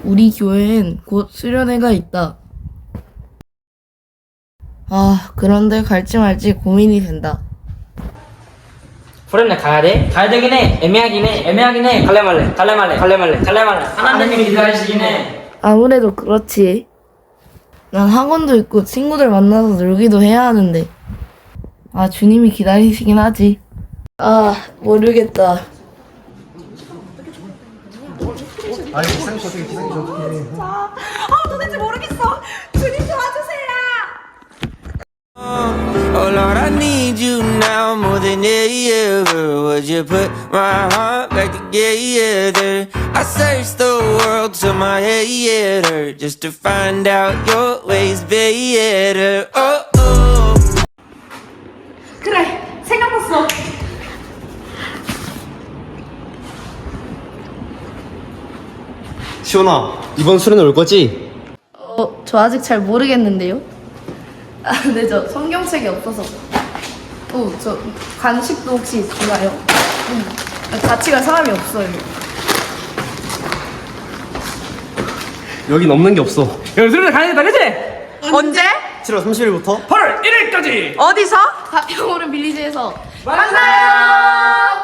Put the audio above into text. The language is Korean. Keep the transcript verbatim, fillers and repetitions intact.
우리 교회엔 곧 수련회가 있다. 아, 그런데 갈지 말지 고민이 된다. 수련회 가야 돼? 가야 되긴 해. 애매하긴 해. 애매하긴 해. 갈래 말래. 갈래 말래. 갈래 말래. 갈래 말래. 하나님이 기다리시긴 해. 아무래도 그렇지. 난 학원도 있고 친구들 만나서 놀기도 해야 하는데. 아, 주님이 기다리시긴 하지. 아, 모르겠다. 아니 기상이 어떻게 기상이 어떻게 아 도대체 모르겠어. 주님 도와주세요. Oh Lord, I need you now more than ever. Would you put my heart back together? I searched the world till my head hurt just to find out your ways better. Oh, oh. 그래 생각났어. 시원아 이번 수련회 올 거지? 어, 저 아직 잘 모르겠는데요? 아, 네, 저 성경책이 없어서. 어, 저 간식도 혹시 있나요? 음, 같이 갈 사람이 없어요. 여긴 없는 게 없어. 여기 수련회 가야겠다, 그치? 언제? 칠월 삼십일부터 팔월 일일까지 어디서? 가평오른 빌리지에서 만나요.